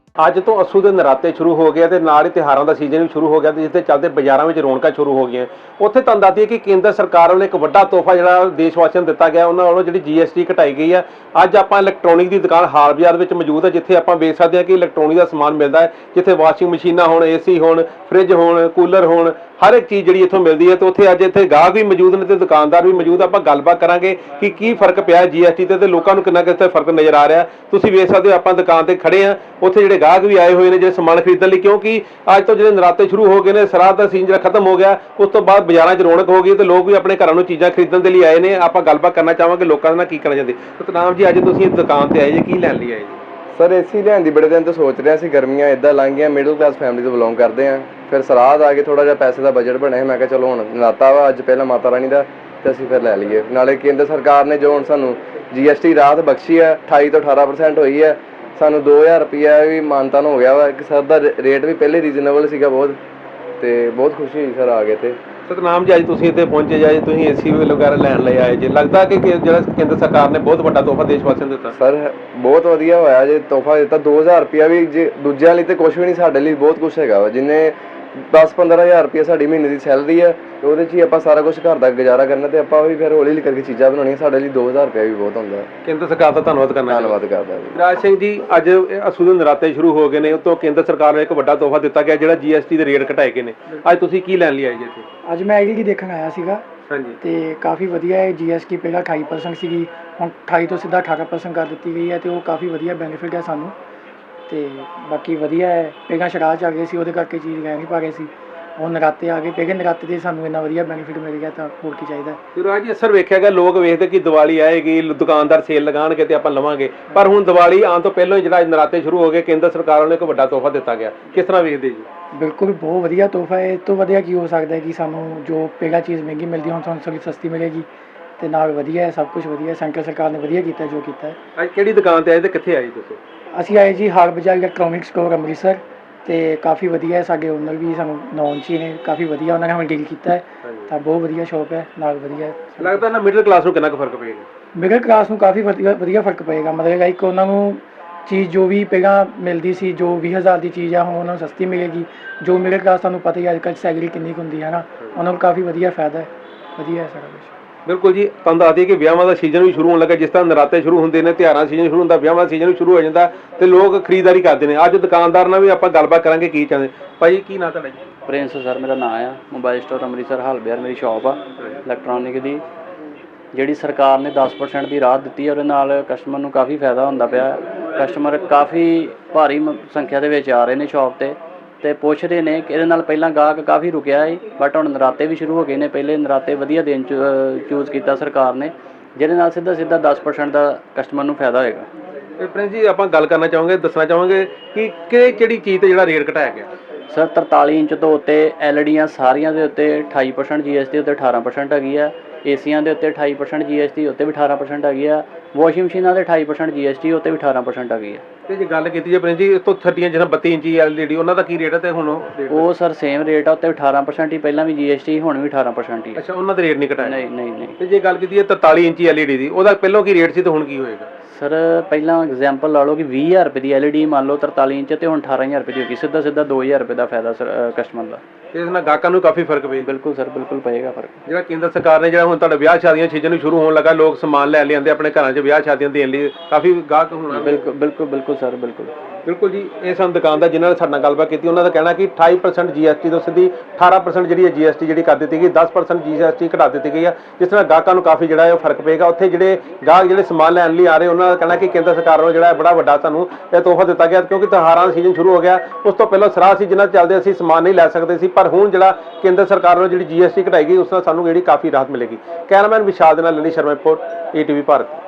ਅੱਜ ਤੋਂ ਅੱਸੂ ਦੇ ਨਰਾਤੇ ਸ਼ੁਰੂ ਹੋ ਗਏ ਤੇ ਨਾਲ ਹੀ ਤਿਉਹਾਰਾਂ ਦਾ ਸੀਜ਼ਨ ਵੀ ਸ਼ੁਰੂ ਹੋ ਗਿਆ ਤੇ ਜਿਸ ਦੇ ਚੱਲਦੇ ਬਾਜ਼ਾਰਾਂ ਵਿੱਚ ਰੌਣਕਾਂ ਸ਼ੁਰੂ ਹੋ ਗਈਆਂ। ਉੱਥੇ ਤੁਹਾਨੂੰ ਦੱਸ ਦਈਏ ਕਿ ਕੇਂਦਰ ਸਰਕਾਰ ਵੱਲੋਂ ਇੱਕ ਵੱਡਾ ਤੋਹਫਾ ਜਿਹੜਾ ਦੇਸ਼ ਵਾਸੀਆਂ ਨੂੰ ਦਿੱਤਾ ਗਿਆ, ਉਹਨਾਂ ਵੱਲੋਂ ਜਿਹੜੀ GST ਘਟਾਈ ਗਈ ਹੈ। ਅੱਜ ਆਪਾਂ ਇਲੈਕਟ੍ਰੋਨਿਕ ਦੀ ਦੁਕਾਨ ਹਾਲ ਬਾਜ਼ਾਰ ਵਿੱਚ ਮੌਜੂਦ ਹੈ, ਜਿੱਥੇ ਆਪਾਂ ਵੇਖ ਸਕਦੇ ਹਾਂ ਕਿ ਇਲੈਕਟ੍ਰੋਨਿਕ ਦਾ ਸਮਾਨ ਮਿਲਦਾ ਹੈ, ਜਿੱਥੇ ਵਾਸ਼ਿੰਗ ਮਸ਼ੀਨਾਂ ਹੋਣ, AC ਹੋਣ, ਫ੍ਰਿਜ ਹੋਣ, ਕੂਲਰ ਹੋਣ, ਹਰ ਇੱਕ ਚੀਜ਼ ਜਿਹੜੀ ਇੱਥੋਂ ਮਿਲਦੀ ਹੈ। ਤੇ ਉੱਥੇ ਅੱਜ ਇੱਥੇ ਗਾਹਕ ਵੀ ਮੌਜੂਦ ਨੇ ਤੇ ਦੁਕਾਨਦਾਰ ਵੀ ਮੌਜੂਦ। ਆਪਾਂ ਗੱਲਬਾਤ ਕਰਾਂਗੇ ਕਿ ਕੀ ਫਰਕ ਪਿਆ GST ਤੇ ਲੋਕਾਂ ਨੂੰ ਕਿੰਨਾ ਕਿਤੇ ਫਰਕ ਨਜ਼ਰ ਆ ਰਿਹਾ। ਤੁਸੀਂ ਵੇਖ ਸਕਦੇ ਹੋ ਆਪਾਂ ਦੁਕਾਨ ਤੇ ਖੜੇ ਆ, ਉੱਥੇ ਜਿਹੜੇ ਗਾਹਕ ਵੀ ਆਏ ਹੋਏ ਨੇ ਜਿਹੜੇ ਸਮਾਨ ਖਰੀਦਣ ਲਈ, ਕਿਉਂਕਿ ਅੱਜ ਤੋਂ ਜਿਹੜੇ ਨਰਾਤੇ ਸ਼ੁਰੂ ਹੋ ਗਏ ਨੇ, ਸਰਾਧ ਦਾ ਸੀਜ਼ਨ ਜਿਹੜਾ ਖਤਮ ਹੋ ਗਿਆ, ਉਸ ਤੋਂ ਬਾਅਦ ਬਾਜ਼ਾਰਾਂ 'ਚ ਰੌਣਕ ਹੋ ਗਈ ਤੇ ਲੋਕ ਵੀ ਆਪਣੇ ਘਰਾਂ ਨੂੰ ਚੀਜ਼ਾਂ ਖਰੀਦਣ ਦੇ ਲਈ ਆਏ ਨੇ। ਆਪਾਂ ਗੱਲਬਾਤ ਕਰਨਾ ਚਾਹਾਂਗੇ ਲੋਕਾਂ ਨਾਲ ਕੀ ਕਰਨਾ ਚਾਹੁੰਦੇ। ਸਤਨਾਮ ਜੀ, ਅੱਜ ਤੁਸੀਂ ਇਸ ਦੁਕਾਨ ਤੇ ਆਏ ਜੀ, ਕੀ ਲੈਣ ਲਈ ਆਏ ਜੀ? ਸਰ AC ਲੈਣ ਦੀ ਬੜੇ ਦਿਨ ਤੋਂ ਸੋਚ ਰਿਹਾ ਸੀ। ਗਰਮੀਆਂ ਇਦਾਂ ਲੰਘ ਗਈਆਂ, ਮਿਡਲ ਕਲਾਸ ਫੈਮਿਲੀ ਤੋਂ ਬਿਲੋਂਗ ਕਰਦੇ ਆ। ਫਿਰ ਸਰਾਧ ਆ ਕੇ ਥੋੜਾ ਜਿਹਾ ਪੈਸੇ ਦਾ ਬਜਟ ਬਣਿਆ, ਮੈਂ ਕਿਹਾ ਚਲੋ ਹੁਣ ਨਰਾਤਾ ਵਾ ਅੱਜ, ਪਹਿਲਾਂ ਮਾਤਾ ਰਾਣੀ ਦਾ, ਤੇ ਅਸੀਂ ਫਿਰ ਲੈ ਲਈਏ। ਨਾਲੇ ਕੇਂਦਰ ਸਰਕਾਰ ਨੇ ਜੋ ਹੁਣ ਸਾਨੂੰ GST ਰਾਹਤ ਬਖਸ਼ੀ ਹੈ, 28 ਤੋਂ 18% ਹੋਈ ਹੈ। ਸਾਨੂੰ 2000 ਰੁਪਇਆ ਵੀ ਮਾਨਤਾਨ ਹੋ ਗਿਆ ਵਾ। ਇੱਕ ਸਰ ਦਾ ਰੇਟ ਵੀ ਪਹਿਲੇ ਰੀਜ਼ਨੇਬਲ ਸੀਗਾ ਬਹੁਤ, ਤੇ ਬਹੁਤ ਖੁਸ਼ੀ ਹੋਈ ਸਰ ਆ ਗਏ ਤੇ। ਸਤਨਾਮ ਜੀ, ਅੱਜ ਤੁਸੀਂ ਇੱਥੇ ਪਹੁੰਚੇ ਜੀ, ਤੁਸੀਂ AC ਵਗੈਰਾ ਲੈਣ ਲਈ ਆਏ ਜੀ, ਲੱਗਦਾ ਕਿ ਜਿਹੜਾ ਕੇਂਦਰ ਸਰਕਾਰ ਨੇ ਬਹੁਤ ਵੱਡਾ ਤੋਹਫਾ ਦੇਸ਼ ਵਾਸੀਆਂ ਨੂੰ ਦਿੱਤਾ? ਸਰ ਬਹੁਤ ਵਧੀਆ ਹੋਇਆ ਜੇ ਤੋਹਫਾ ਦਿੱਤਾ। 2000 ਰੁਪਇਆ ਵੀ ਜੇ ਦੂਜਿਆਂ ਲਈ ਤੇ ਕੁਛ ਵੀ ਨਹੀਂ, ਸਾਡੇ ਲਈ ਬਹੁਤ ਕੁਛ ਹੈਗਾ ਵਾ। ਜਿੰਨੇ 10-15 ਹਜ਼ਾਰ ਰੁਪਇਆ ਸਾਡੀ ਮਹੀਨੇ ਦੀ ਸੈਲਰੀ ਹੈ, ਉਹਦੇ 'ਚ ਹੀ ਆਪਾਂ ਸਾਰਾ ਕੁਛ ਘਰ ਦਾ ਗੁਜ਼ਾਰਾ ਕਰਨਾ, ਤੇ ਆਪਾਂ ਵੀ ਫਿਰ ਹੌਲੀ ਹੌਲੀ ਕਰਕੇ ਚੀਜ਼ਾਂ ਬਣਾਉਣੀਆਂ। ਸਾਡੇ ਲਈ 2000 ਰੁਪਇਆ ਵੀ ਬਹੁਤ ਹੁੰਦਾ। ਕੇਂਦਰ ਸਰਕਾਰ ਦਾ ਧੰਨਵਾਦ ਕਰਦਾ ਜੀ। ਰਾਜ ਸਿੰਘ ਜੀ, ਅੱਜ ਅੱਸੂ ਦੇ ਨਰਾਤੇ ਸ਼ੁਰੂ ਹੋ ਗਏ ਨੇ, ਉਤੋਂ ਕੇਂਦਰ ਸਰਕਾਰ ਨੇ ਇੱਕ ਵੱਡਾ ਤੋਹਫਾ ਦਿੱਤਾ ਗਿਆ ਜਿਹੜਾ GST ਦੇ ਰੇਟ ਘਟਾਏ ਗਏ ਨੇ। ਅੱਜ ਤੁਸੀਂ ਕੀ ਲੈਣ ਲਈ ਆਏ ਜੀ ਇੱਥੇ? ਅੱਜ ਮੈਂ LED ਦੇਖਣ ਆਇਆ ਸੀਗਾ। ਹਾਂਜੀ। ਤੇ ਕਾਫੀ ਵਧੀਆ ਹੈ। GST ਪਹਿਲਾਂ 28% ਸੀਗੀ, ਹੁਣ 28 ਤੋਂ ਸਿੱਧਾ 18% ਕਰ ਦਿੱਤੀ ਗਈ ਹੈ, ਤੇ ਉਹ ਕਾਫੀ ਵਧੀਆ ਬੈਨੀਫਿਟ ਹੈ ਸਾਨੂੰ। ਤੇ ਬਾਕੀ ਵਧੀਆ ਹੈ। ਪਹਿਲਾਂ ਸ਼ਰਾਧ ਚੱਲ ਗਏ ਸੀ, ਉਹਦੇ ਕਰਕੇ ਚੀਜ਼ ਲੈ ਨਹੀਂ ਪਾ ਰਹੇ ਸੀ। ਹੁਣ ਨਰਾਤੇ ਆ ਗਏ, ਪਹਿਲੇ ਨਰਾਤੇ ਦੇ ਸਾਨੂੰ ਇੰਨਾ ਵਧੀਆ ਬੈਨੀਫਿਟ ਮਿਲ ਗਿਆ, ਤਾਂ ਹੋਰ ਕੀ ਚਾਹੀਦਾ। ਤੇ ਰਾਜ ਜੀ, ਅਸਰ ਵੇਖਿਆ ਗਿਆ, ਲੋਕ ਵੇਖਦੇ ਕਿ ਦੀਵਾਲੀ ਆਏਗੀ, ਦੁਕਾਨਦਾਰ ਸੇਲ ਲਗਾਉਣਗੇ ਤੇ ਆਪਾਂ ਲਵਾਂਗੇ, ਪਰ ਹੁਣ ਦੀਵਾਲੀ ਆਉਣ ਤੋਂ ਪਹਿਲਾਂ ਹੀ ਜਿਹੜਾ ਨਰਾਤੇ ਸ਼ੁਰੂ ਹੋ ਗਏ, ਕੇਂਦਰ ਸਰਕਾਰ ਵੱਲੋਂ ਇੱਕ ਵੱਡਾ ਤੋਹਫਾ ਦਿੱਤਾ ਗਿਆ। ਕਿਸ ਤਰ੍ਹਾਂ ਵੇਖਦੇ ਜੀ? ਬਿਲਕੁਲ ਬਹੁਤ ਵਧੀਆ ਤੋਹਫਾ ਹੈ। ਇਹ ਤੋਂ ਵਧੀਆ ਕੀ ਹੋ ਸਕਦਾ ਹੈ ਕਿ ਸਾਨੂੰ ਜੋ ਪਹਿਲਾਂ ਚੀਜ਼ ਮਹਿੰਗੀ ਮਿਲਦੀ, ਹੁਣ ਸਾਨੂੰ ਥੋੜ੍ਹੀ ਸਸਤੀ ਮਿਲੇਗੀ, ਤੇ ਨਾਲ ਵਧੀਆ ਹੈ, ਸਭ ਕੁਝ ਵਧੀਆ। ਸੈਂਟਰ ਸਰਕਾਰ ਨੇ ਵਧੀਆ ਕੀਤਾ ਜੋ ਕੀਤਾ ਹੈ। ਅੱਜ ਕਿਹੜੀ ਦੁਕਾਨ ਤੇ ਆਏ ਤੇ ਕਿੱਥੇ ਆਏ ਤੁਸੀਂ? ਅਸੀਂ ਆਏ ਜੀ ਹਾਲ ਬਾਜ਼ਾਰ ਇਲੈਕਟ੍ਰੋਨਿਕ ਸਟੋਰ ਅੰਮ੍ਰਿਤਸਰ, ਤੇ ਕਾਫੀ ਵਧੀਆ ਹੈ। ਸਾਡੇ ਓਨਰ ਵੀ ਸਾਨੂੰ ਨੌਨ 'ਚ ਹੀ ਨੇ, ਕਾਫੀ ਵਧੀਆ ਉਹਨਾਂ ਨੇ ਹमें ਡੀਲ ਕੀਤਾ ਹੈ, ਤਾਂ ਬਹੁਤ ਵਧੀਆ ਸ਼ੌਪ ਹੈ, ਨਾਲ ਵਧੀਆ। ਲੱਗਦਾ ਨਾ ਮਿਡਲ ਕਲਾਸ ਨੂੰ ਕਿੰਨਾ ਕੁ ਫਰਕ ਪਏਗਾ? ਮਿਡਲ ਕਲਾਸ ਨੂੰ ਕਾਫੀ ਵਧੀਆ ਫਰਕ ਪਏਗਾ। ਮਤਲਬ ਇੱਕ ਉਹਨਾਂ ਨੂੰ ਚੀਜ਼ ਜੋ ਵੀ ਪਹਿਲਾਂ ਮਿਲਦੀ ਸੀ, ਜੋ 20,000 ਦੀ ਚੀਜ਼ ਆ, ਹੁਣ ਉਹਨਾਂ ਨੂੰ ਸਸਤੀ ਮਿਲੇਗੀ। ਜੋ ਮਿਡਲ ਕਲਾਸ ਤੁਹਾਨੂੰ ਪਤਾ ਹੀ ਅੱਜ ਕੱਲ੍ਹ ਸੈਲਰੀ ਕਿੰਨੀ ਕੁ ਹੁੰਦੀ ਹੈ ਨਾ, ਉਹਨਾਂ ਨੂੰ ਕਾਫੀ ਵਧੀਆ ਫਾਇਦਾ ਹੈ, ਵਧੀਆ ਹੈ ਸਾਰਾ ਕੁਛ। ਬਿਲਕੁਲ ਜੀ, ਤੁਹਾਨੂੰ ਦੱਸ ਦਈਏ ਕਿ ਵਿਆਹਾਂ ਦਾ ਸੀਜ਼ਨ ਵੀ ਸ਼ੁਰੂ ਹੋਣ ਲੱਗਾ। ਜਿਸ ਤਰ੍ਹਾਂ ਨਰਾਤੇ ਸ਼ੁਰੂ ਹੁੰਦੇ ਨੇ, ਤਿਉਹਾਰਾਂ ਸੀਜ਼ਨ ਸ਼ੁਰੂ ਹੁੰਦਾ, ਵਿਆਹਾਂ ਦਾ ਸੀਜ਼ਨ ਵੀ ਸ਼ੁਰੂ ਹੋ ਜਾਂਦਾ ਤੇ ਲੋਕ ਖਰੀਦਦਾਰੀ ਕਰਦੇ ਨੇ। ਅੱਜ ਦੁਕਾਨਦਾਰ ਨਾਲ ਵੀ ਆਪਾਂ ਗੱਲਬਾਤ ਕਰਾਂਗੇ ਕੀ ਚਾਹੁੰਦੇ। ਭਾਈ ਕੀ ਨਾਂ ਤੁਹਾਡਾ ਜੀ? ਪ੍ਰਿੰਸ ਸਰ ਮੇਰਾ ਨਾਂ ਆ। ਮੋਬਾਈਲ ਸਟੋਰ ਅੰਮ੍ਰਿਤਸਰ ਹਾਲ ਬਾਜ਼ਾਰ ਮੇਰੀ ਸ਼ਾਪ ਆ ਇਲੈਕਟ੍ਰੋਨਿਕ ਦੀ। ਜਿਹੜੀ ਸਰਕਾਰ ਨੇ 10% ਦੀ ਰਾਹਤ ਦਿੱਤੀ ਹੈ, ਉਹਦੇ ਨਾਲ ਕਸਟਮਰ ਨੂੰ ਕਾਫੀ ਫਾਇਦਾ ਹੁੰਦਾ ਪਿਆ। ਕਸਟਮਰ ਕਾਫੀ ਭਾਰੀ ਸੰਖਿਆ ਦੇ ਵਿੱਚ ਆ ਰਹੇ ਨੇ ਸ਼ਾਪ 'ਤੇ, ਅਤੇ ਪੁੱਛ ਰਹੇ ਨੇ ਕਿ ਇਹਦੇ ਨਾਲ ਪਹਿਲਾਂ ਗਾਹਕ ਕਾਫੀ ਰੁਕਿਆ ਸੀ, ਬਟ ਹੁਣ ਨਰਾਤੇ ਵੀ ਸ਼ੁਰੂ ਹੋ ਗਏ ਨੇ। ਪਹਿਲੇ ਨਰਾਤੇ ਵਧੀਆ ਦਿਨ ਚੂਜ਼ ਕੀਤਾ ਸਰਕਾਰ ਨੇ, ਜਿਹਦੇ ਨਾਲ ਸਿੱਧਾ 10% ਦਾ ਕਸਟਮਰ ਨੂੰ ਫਾਇਦਾ ਹੋਏਗਾ। ਤੇ ਪ੍ਰਿੰਸ ਜੀ, ਆਪਾਂ ਗੱਲ ਕਰਨਾ ਚਾਹਾਂਗੇ, ਦੱਸਣਾ ਚਾਹਾਂਗੇ ਕਿ ਕਿਹੜੀ ਚੀਜ਼ ਤੇ ਜਿਹੜਾ ਰੇਟ ਘਟਾਇਆ ਗਿਆ? ਸਰ 43 ਇੰਚ ਤੋਂ ਉੱਤੇ LEDਆਂ ਸਾਰੀਆਂ ਦੇ ਉੱਤੇ 28% GST, ਉੱਤੇ 18% ਹੈਗੀ ਆ। ਏਸੀਆਂ ਦੇ ਉੱਤੇ 28% GST, ਉੱਤੇ ਵੀ 18% ਹੈਗੀ ਆ। ਵਾਸ਼ਿੰਗ ਮਸ਼ੀਨਾਂ ਦੇ 28% GST, ਉੱਤੇ ਵੀ 18% ਹੈਗੀ ਆ। ਤੇ ਜੇ ਗੱਲ ਕੀਤੀ ਜੇ ਪ੍ਰਿੰਸ ਜੀ, ਇਸ ਤੋਂ 30 ਜਿਹੜਾ 32 ਇੰਚੀ LED, ਉਹਨਾਂ ਦਾ ਕੀ ਰੇਟ ਹੈ ਤੇ ਹੁਣ ਉਹ ਸਰ ਸੇਮ ਰੇਟ ਆ, ਉੱਤੇ 18% ਹੀ, ਪਹਿਲਾਂ ਵੀ GST, ਹੁਣ ਵੀ 18% ਹੀ। ਅੱਛਾ, ਉਹਨਾਂ ਦਾ ਰੇਟ ਨਹੀਂ ਘਟਾਇਆ? ਨਹੀਂ। ਤੇ ਜੇ ਗੱਲ ਕੀਤੀ ਹੈ 43 ਇੰਚੀ LED ਦੀ, ਉਹਦਾ ਪਹਿਲਾਂ ਕੀ ਰੇਟ ਸੀ ਤੇ ਹੁਣ ਕੀ ਹੋਏਗਾ? ਸਰ ਪਹਿਲਾਂ ਐਗਜ਼ਾਮਪਲ ਲਾ ਲਓ ਕਿ 20,000 ਰੁਪਏ ਦੀ LED ਮੰਨ ਲਓ 43 ਇੰਚ, ਤੇ ਹੁਣ 18,000 ਰੁਪਏ ਦੀ ਹੋ ਗਈ। ਸਿੱਧਾ 2000 ਰੁਪਏ ਦਾ ਫਾਇਦਾ ਸਰ ਕਸਟਮਰ ਦਾ। ਇਸ ਨਾਲ ਗਾਹਕਾਂ ਨੂੰ ਕਾਫੀ ਫਰਕ ਪਏਗਾ? ਬਿਲਕੁਲ ਸਰ, ਬਿਲਕੁਲ ਪਏਗਾ ਫਰਕ। ਜਿਹੜਾ ਕੇਂਦਰ ਸਰਕਾਰ ਨੇ ਜਿਹੜਾ ਹੁਣ ਤੁਹਾਡਾ ਵਿਆਹ ਸ਼ਾਦੀਆਂ ਸੀਜ਼ਨ ਵੀ ਸ਼ੁਰੂ ਹੋਣ ਲੱਗਾ, ਲੋਕ ਸਮਾਨ ਲੈ ਲਿਆਂਦੇ ਆਪਣੇ ਘਰਾਂ 'ਚ ਵਿਆਹ ਸ਼ਾਦੀਆਂ ਦੇਣ ਲਈ, ਕਾਫੀ ਗਾਹਕ ਹੋਣਾ। ਬਿਲਕੁਲ ਸਰ, ਬਿਲਕੁਲ ਜੀ। ਇਹ ਸਾਨੂੰ ਦੁਕਾਨਦਾਰ ਜਿਨ੍ਹਾਂ ਨੇ ਸਾਡੇ ਨਾਲ ਗੱਲਬਾਤ ਕੀਤੀ, ਉਹਨਾਂ ਦਾ ਕਹਿਣਾ ਕਿ 28% GST ਤੋਂ ਸਿੱਧੀ 18% ਜਿਹੜੀ ਹੈ GST ਜਿਹੜੀ ਕਰ ਦਿੱਤੀ ਗਈ, 10% GST ਘਟਾ ਦਿੱਤੀ ਗਈ ਹੈ, ਜਿਸ ਨਾਲ ਗਾਹਕਾਂ ਨੂੰ ਕਾਫੀ ਜਿਹੜਾ ਹੈ ਉਹ ਫਰਕ ਪਏਗਾ। ਉੱਥੇ ਜਿਹੜੇ ਗਾਹਕ ਜਿਹੜੇ ਸਮਾਨ ਲੈਣ ਲਈ ਆ ਰਹੇ, ਉਹਨਾਂ ਦਾ ਕਹਿਣਾ ਕਿ ਕੇਂਦਰ ਸਰਕਾਰ ਵੱਲੋਂ ਜਿਹੜਾ ਬੜਾ ਵੱਡਾ ਸਾਨੂੰ ਇਹ ਤੋਹਫਾ ਦਿੱਤਾ ਗਿਆ, ਕਿਉਂਕਿ ਤਿਉਹਾਰਾਂ ਦਾ ਸੀਜ਼ਨ ਸ਼ੁਰੂ ਹੋ ਗਿਆ। ਉਸ ਤੋਂ ਪਹਿਲਾਂ ਸਰਾਧ ਸੀ, ਜਿਨ੍ਹਾਂ ਚੱਲਦੇ ਅਸੀਂ ਸਮਾਨ ਨਹੀਂ ਲੈ ਸਕਦੇ ਸੀ, ਪਰ ਹੁਣ ਜਿਹੜਾ ਕੇਂਦਰ ਸਰਕਾਰ ਵੱਲੋਂ ਜਿਹੜੀ GST ਘਟਾਈ ਗਈ, ਉਸ ਨਾਲ ਸਾਨੂੰ ਜਿਹੜੀ ਕਾਫੀ ਰਾਹਤ ਮਿਲੇਗੀ। ਕੈਮਰਾਮੈਨ ਵਿਸ਼ਾਲ ਦੇ ਨਾਲ ਲਲੀ ਸ਼ਰਮਾ ਰਿਪੋਰਟ, ATV ਭਾਰਤ।